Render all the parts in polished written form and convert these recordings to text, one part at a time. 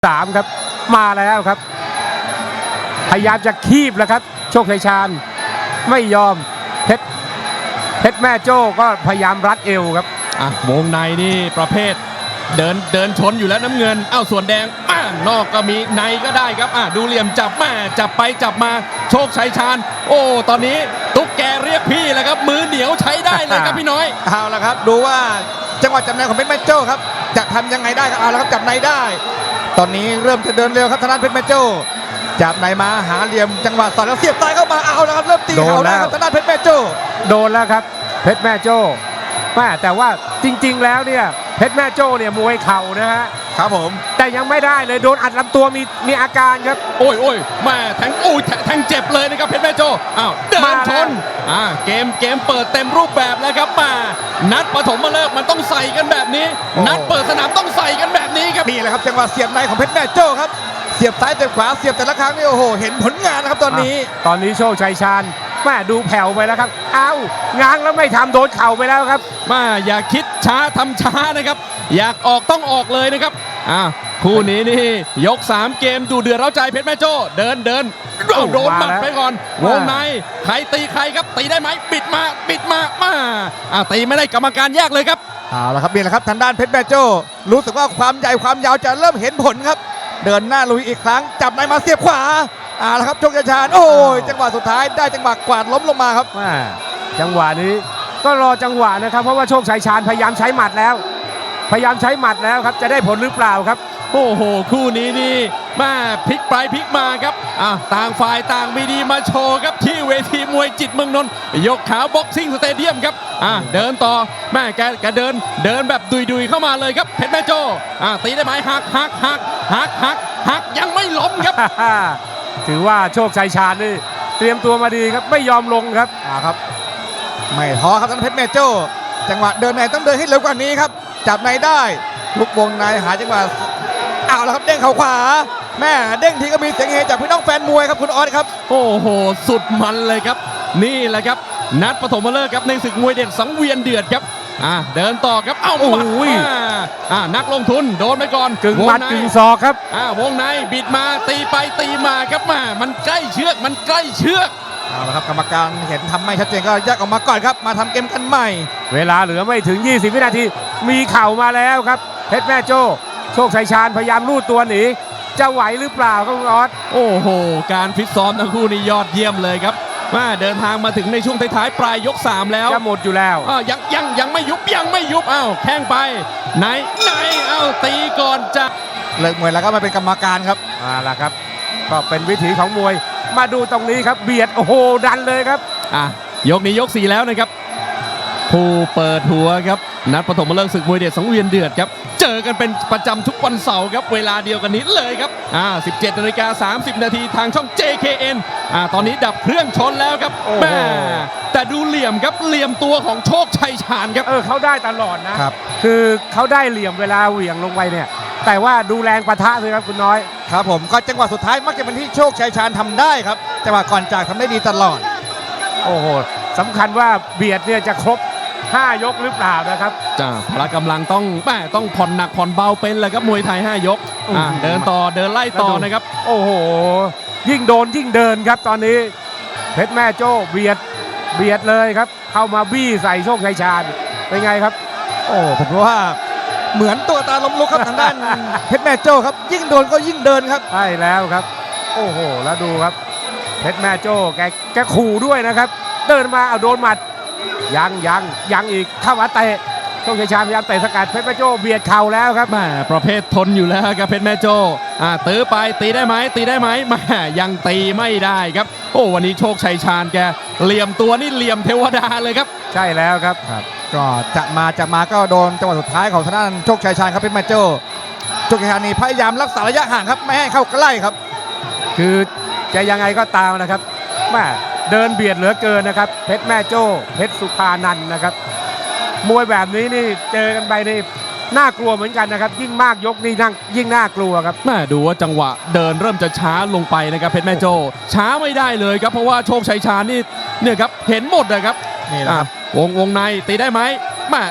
3ครับมาแล้วครับพยายามจะคีบแล้วครับโชคชัยชาญไม่ยอมเพชรแม่โจ้ก็พยายามรัดเอวครับวงในนี่ประเภทเดินชนอยู่แล้วน้ำเงินส่วนแดงนอกก็มีในก็ได้ครับดูเหลี่ยมจับจับไปจับมาโชคชัยชาญตอนนี้ตุ๊กแกเรียกพี่แล้วครับมือเหนียวใช้ได้เลยครับพี่น้อยเอาละครับดูว่าจังหวะจับในของเพชรแม่โจ้ครับจะทำยังไงได้ครับเอาละครับจับในได้ตอนนี้เริ่มจะเดินเร็วครับทางด้านเพชรแม่โจ้จับในมาหาเหลี่ยมจังหวะสอดแล้วเสียบซ้ายเข้ามาเอาละครับเริ่มตีเข่าแล้วครับทางด้านเพชรแม่โจ้โดนแล้วครับเพชรแม่โจ้แต่ว่าจริงๆแล้วเนี่ยเพชรแม่โจ้เนี่ยมวยเข่านะฮะครับผมแต่ยังไม่ได้เลยโดนอัดลำตัวมีอาการครับโอ้ยแทงแทงเจ็บเลยนะครับเพชรแม่โจ้เดินชนเกมเปิดเต็มรูปแบบแล้วครับนัดปฐมฤกษ์มันต้องใส่กันแบบนี้นัดเปิดสนามต้องใส่กันแบบนี้ครับนี่แหละครับจังหวะเสียบในของเพชรแม่โจ้ครับเสียบซ้ายเสียบขวาเสียบแต่ละครั้งนี่โอ้โหเห็นผลงานนะครับตอนนี้โชคชัยชาญดูแผ่วไปแล้วครับง้างแล้วไม่ทำโดนเข่าไปแล้วครับอย่าคิดช้าทำช้านะครับอยากออกต้องออกเลยนะครับคู่นี้นี่ยก3เกมดูเดือดเร้าใจเพชรแม่โจ้เดินโดนหมัดไปก่อนวงในใครตีใครครับตีได้ไหมปิดมาตีไม่ได้กรรมการแยกเลยครับเอาละครับนี่แหละครับทางด้านเพชรแม่โจ้รู้สึกว่าความใหญ่ความยาวจะเริ่มเห็นผลครับเดินหน้าลุยอีกครั้งจับในมาเสียบขวาแล้วครับโชคชัยชาญจังหวะสุดท้ายได้จังหวะกวาดล้มลงมาครับจังหวะนี้ก็รอจังหวะนะครับเพราะว่าโชคชัยชาญพยายามใช้หมัดแล้วครับจะได้ผลหรือเปล่าครับคู่นี้นี่พลิกไปพลิกมาครับต่างฝ่ายต่างมีดีมาโชว์ครับที่เวทีมวยจิตเมืองนนท์ยกขาวบ็อกซิ่งสเตเดียมครับเดินต่อแกเดินแบบดุยเข้ามาเลยครับเพชรแม่โจ้ตีได้ไหมหักยังไม่ล้มครับถือว่าโชคชัยชาญนี่เตรียมตัวมาดีครับไม่ยอมลงครับครับไม่ท้อครับทางเพชรแม่โจ้จังหวะเดินในต้องเดินให้เร็วกว่านี้ครับจับในได้ลุกวงในหาจังหวะแล้วครับเด้งเข่าขวาเด้งทีก็มีเสียงเฮจากพี่น้องแฟนมวยครับคุณออสครับสุดมันเลยครับนี่แหละครับนัดปฐมฤกษ์ครับในศึกมวยเด็ดสังเวียนเดือดครับเดินต่อครับนักลงทุนโดนไปก่อนกึ่งหมัดกึ่งศอกครับวงในบิดมาตีไปตีมาครับมันใกล้เชือกเอาละครับกรรมการเห็นทำไม่ชัดเจนก็แยกออกมาก่อนครับมาทำเกมกันใหม่เวลาเหลือไม่ถึง20วินาทีมีเข่ามาแล้วครับเพชรแม่โจ้โชคชัยชาญพยายามลูดตัวหนีจะไหวหรือเปล่าครับคุณออสการฟิตซ้อมทั้งคู่นี่ยอดเยี่ยมเลยครับเดินทางมาถึงในช่วงท้ายๆปลายยก3แล้วจะหมดอยู่แล้วยังไม่ยุบแข้งไปไหนตีก่อนจะเลิกมวยแล้วก็มาเป็นกรรมการครับล่ะครับก็เป็นวิถีของมวยมาดูตรงนี้ครับเบียดดันเลยครับยกนี้ยก4แล้วนะครับผู้เปิดหัวครับนัดปฐมฤกษ์ศึกมวยเด็ดสังเวียนเดือดครับเจอกันเป็นประจำทุกวันเสาร์ครับเวลาเดียวกันนี้เลยครับ17:30 นาทีทางช่อง JKN ตอนนี้ดับเครื่องชนแล้วครับแต่ดูเหลี่ยมครับเหลี่ยมตัวของโชคชัยชาญครับเขาได้ตลอดนะครับคือเขาได้เหลี่ยมเวลาเหวี่ยงลงไปเนี่ยแต่ว่าดูแรงปะทะเลยครับคุณน้อยครับผมก็จังหวะสุดท้ายมักจะเป็นที่โชคชัยชาญทำได้ครับจังหวะก่อนจากทำได้ดีตลอดสำคัญว่าเบียดเนี่ยจะครบ5 ยกหรือเปล่านะครับพละกำลังต้องผ่อนหนักผ่อนเบาเป็นเลยครับมวยไทย5 ยกเดินต่อเดินไล่ต่อนะครับยิ่งโดนยิ่งเดินครับตอนนี้เพชรแม่โจ้เบียดเลยครับเข้ามาบี้ใส่โชคชัยชาญเป็นไงครับผมว่าเหมือนตัวตาล้มลุกครับทางด้านเพชรแม่โจ้ครับยิ่งโดนก็ยิ่งเดินครับใช่แล้วครับแล้วดูครับเพชรแม่โจ้แกขู่ด้วยนะครับเดินมาโดนหมัดยังอีกเข้ามาเตะโชคชัยชาญพยายามเตะสกัดเพชรแม่โจ้เบียดเข่าแล้วครับประเภททนอยู่แล้วครับเพชรแม่โจ้ตื้อไปตีได้ไหมยังตีไม่ได้ครับวันนี้โชคชัยชาญแกเหลี่ยมตัวนี่เหลี่ยมเทวดาเลยครับใช่แล้วครับก็จะมาก็โดนจังหวะสุดท้ายของทางด้านโชคชัยชาญครับเพชรแม่โจ้โชคชัยชาญนี่พยายามรักษาระยะห่างครับไม่ให้เข้าใกล้ครับคือจะยังไงก็ตามนะครับเดินเบียดเหลือเกินนะครับเพชรแม่โจ้เพชรสุภานันท์นะครับมวยแบบนี้นี่เจอกันไปนี่น่ากลัวเหมือนกันนะครับยิ่งมากยกนี่ยิ่งน่ากลัวครับดูว่าจังหวะเดินเริ่มจะช้าลงไปนะครับเพชรแม่โจ้ช้าไม่ได้เลยครับเพราะว่าโชคชัยชาญนี่เนี่ยครับเห็นหมดเลยครับนี่แหละครับวงในตีได้ไหม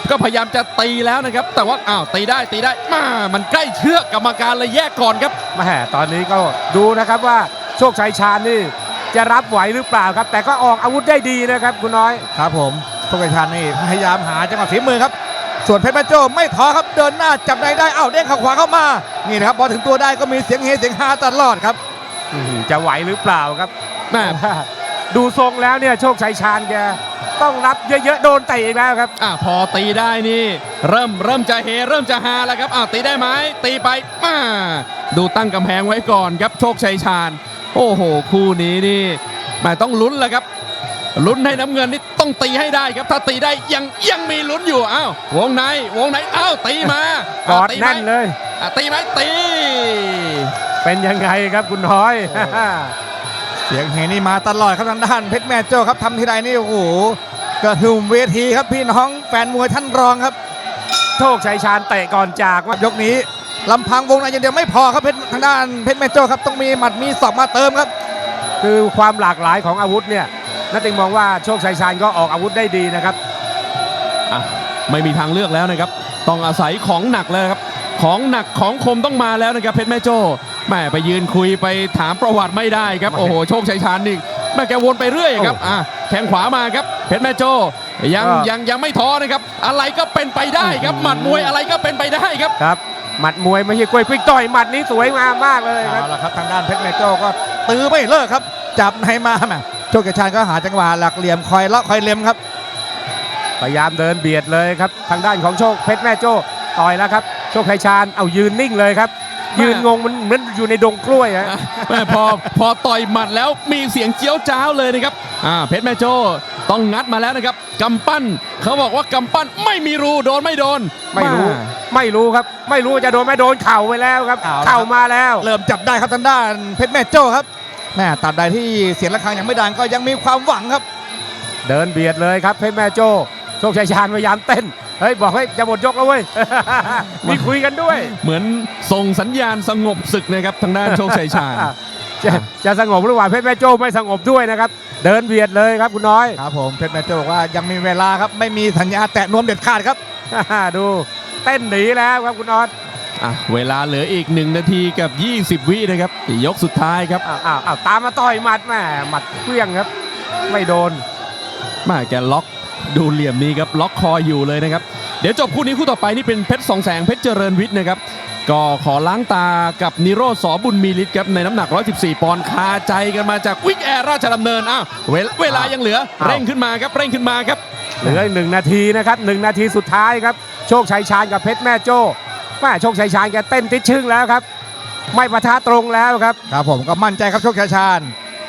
ก็พยายามจะตีแล้วนะครับแต่ว่าอ้าวตีได้มามันใกล้เชือกกรรมการเลยแยกก่อนครับแม่ตอนนี้ก็ดูนะครับว่าโชคชัยชาญนี่จะรับไหวหรือเปล่าครับ แต่ก็ออกอาวุธได้ดีนะครับคุณน้อยครับผมโชคชัยชาญนี่พยายามหาจังหวะฝีมือครับส่วนเพชรแม่โจ้ไม่ท้อครับเดินหน้าจับในได้เด้งเข่าขวาเข้ามานี่นะครับพอถึงตัวได้ก็มีเสียงเฮเสียงฮาตลอดครับจะไหวหรือเปล่าครับแม่ดูทรงแล้วเนี่ยโชคชัยชาญแกต้องรับเยอะๆโดนเตะอีกแล้วครับพอตีได้นี่เริ่มจะเฮเริ่มจะฮาแล้วครับตีได้ไหมตีไปมาดูตั้งกำแพงไว้ก่อนครับโชคชัยชาญโอ้โหคู่นี้นี่แม่ต้องลุ้นแล้วครับลุ้นให้น้ำเงินนี่ต้องตีให้ได้ครับถ้าตีได้ยังมีลุ้นอยู่วงในตีมากอดแน่นเลยตีไหมตีเป็นยังไงครับคุณน้อยเสียงเฮนี่มาตลอดครับทางด้านเพชรแม่โจ้ครับทำทีไรนี่โอ้โหกระหึ่มเวทีครับพี่น้องแฟนมวยท่านรองครับโชคชัยชาญเตะก่อนจากว่ายกนี้ลำพังวงในอย่างเดียวไม่พอครับทางด้านเพชรแม่โจ้ครับต้องมีหมัดมีศอกมาเติมครับคือความหลากหลายของอาวุธเนี่ยนักเตะมองว่าโชคชัยชาญก็ออกอาวุธได้ดีนะครับไม่มีทางเลือกแล้วนะครับต้องอาศัยของหนักแล้วครับของหนักของคมต้องมาแล้วนะครับเพชรแม่โจ้แม่ไปยืนคุยไปถามประวัติไม่ได้ครับโอ้โหโชคชัยชาญนี่แม่แกวนไปเรื่อยครับแข้งขวามาครับเพชรแม่โจ้ยังไม่ท้อนะครับอะไรก็เป็นไปได้ครับหมัดมวยอะไรก็เป็นไปได้ครับครับหมัดมวยไม่ใช่กล้วยพลิกต่อยหมัดนี้สวยงามมากเลยครับเอาละครับทางด้านเพชรแม่โจ้ก็ตื้อไม่เลิกครับจับในมาแม่โชคชัยชาญก็หาจังหวะหลักเหลี่ยมคอยเลาะคอยเล็มครับพยายามเดินเบียดเลยครับทางด้านของโชคเพชรแม่โจ้ต่อยแล้วครับโชคชัยชาญเอายืนนิ่งเลยครับยืนงงมันเหมือนอยู่ในดงกล้วยฮะแม่พอต่อยหมัดแล้วมีเสียงเจี๊ยวจ้าวเลยนะครับเพชรแม่โจ้ต้องงัดมาแล้วนะครับกำปั้นเขาบอกว่ากำปั้นไม่มีรูโดนไม่โดนไม่รู้ครับไม่รู้จะโดนไม่โดนเข่าไปแล้วครับเอาละครับเข่ามาแล้วเริ่มจับได้ครับทางด้านเพชรแม่โจ้ครับแม่ตัดใดที่เสียงระฆังยังไม่ดังก็ยังมีความหวังครับเดินเบียดเลยครับเพชรแม่โจ้โชคชัยชาญพยายามเต้นเฮ้ยบอกให้จะหมดยกแล้วเว้ย มีคุยกันด้วยเหมือนส่งสัญญาณสงบศึกนะครับทางด้านโชคชัยชาญจะสงบหรือว่าเพชรแม่โจ้ไม่สงบด้วยนะครับเดินเบียดเลยครับคุณน้อยครับผมเพชรแม่โจ้บอกว่ายังมีเวลาครับไม่มีสัญญาแตะนวมเด็ดขาดครับดูเต้นหนีแล้วครับคุณออสเวลาเหลืออีก1นาทีกับ20วินะครับยกสุดท้ายครับตามมาต่อยหมัดแม่หมัดเพี้ยงครับไม่โดนแกล็อกดูเหลี่ยมนี้ครับล็อกคออยู่เลยนะครับเดี๋ยวจบคู่นี้คู่ต่อไปนี่เป็นเพชรสองแสงเพชรเจริญวิทย์นะครับก็ขอล้างตากับนิโรธสอบุญมีฤทธิ์ครับในน้ำหนัก114ปอนด์คาใจกันมาจากวิกแอร์ราชดำเนินเวลายังเหลือเร่งขึ้นมาครับเร่งขึ้นมาครับเหลืออีก1นาทีนะครับ1นาทีสุดท้ายครับโชคชัยชาญกับเพชรแม่โจ้โชคชัยชาญแกเต้นติดชึ่งแล้วครับไม่ปะทะตรงแล้วครับครับผมก็มั่นใจครับโชคชัยชาญ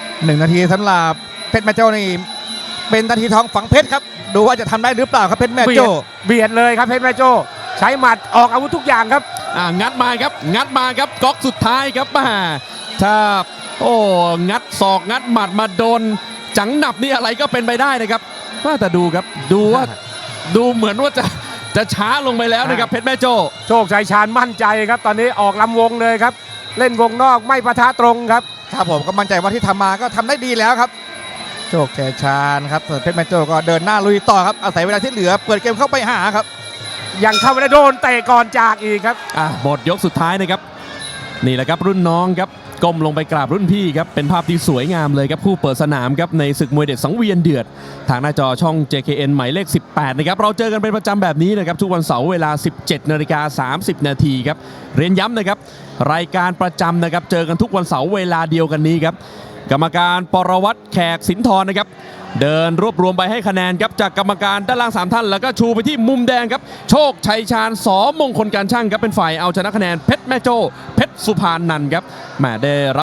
1นาทีสำหรับเพชรแม่โจ้นี่เป็นนาทีทองฝังเพชรครับดูว่าจะทำได้หรือเปล่าครับเพชรแม่โจ้เบียดเลยครับเพชรแม่โจ้ใช้หมัดออกอาวุธทุกอย่างครับงัดมาครับก๊อกสุดท้ายครับถ้างัดศอกงัดหมัดมาโดนจังหนับนี่อะไรก็เป็นไปได้นะครับแต่ดูครับดูว่าดูเหมือนว่าจะช้าลงไปแล้วนะครับเพชรแม่โจ้โชคชัยชาญมั่นใจครับตอนนี้ออกลำวงเลยครับเล่นวงนอกไม่ปะทะตรงครับครับผมก็มั่นใจว่าที่ทำมาก็ทำได้ดีแล้วครับโชคชัยชาญครับส่วนเพชรแม่โจ้ก็เดินหน้าลุยต่อครับอาศัยเวลาที่เหลือเปิดเกมเข้าไปหาครับยังเข้าไม่ได้โดนเตะก่อนจากอีกครับหมดยกสุดท้ายนะครับนี่แหละครับรุ่นน้องครับก้มลงไปกราบรุ่นพี่ครับเป็นภาพที่สวยงามเลยครับผู้เปิดสนามครับในศึกมวยเด็ดสังเวียนเดือดทางหน้าจอช่อง JKN หมายเลข 18นะครับเราเจอกันเป็นประจำแบบนี้นะครับทุกวันเสาร์เวลา 17:30 นาทีครับเรียนย้ำนะครับรายการประจำนะครับเจอกันทุกวันเสาร์เวลาเดียวกันนี้ครับกรรมการปรวัตรแขกสินทรนะครับเดินรวบรวมไปให้คะแนนครับจากกรรมการด้านล่าง3ท่านแล้วก็ชูไปที่มุมแดงครับโชคชัยชาญสมงคลการช่างครับเป็นฝ่ายเอาชนะคะแนนเพชรแม่โจ้เพชรสุพรรณนันท์ครับได้รับ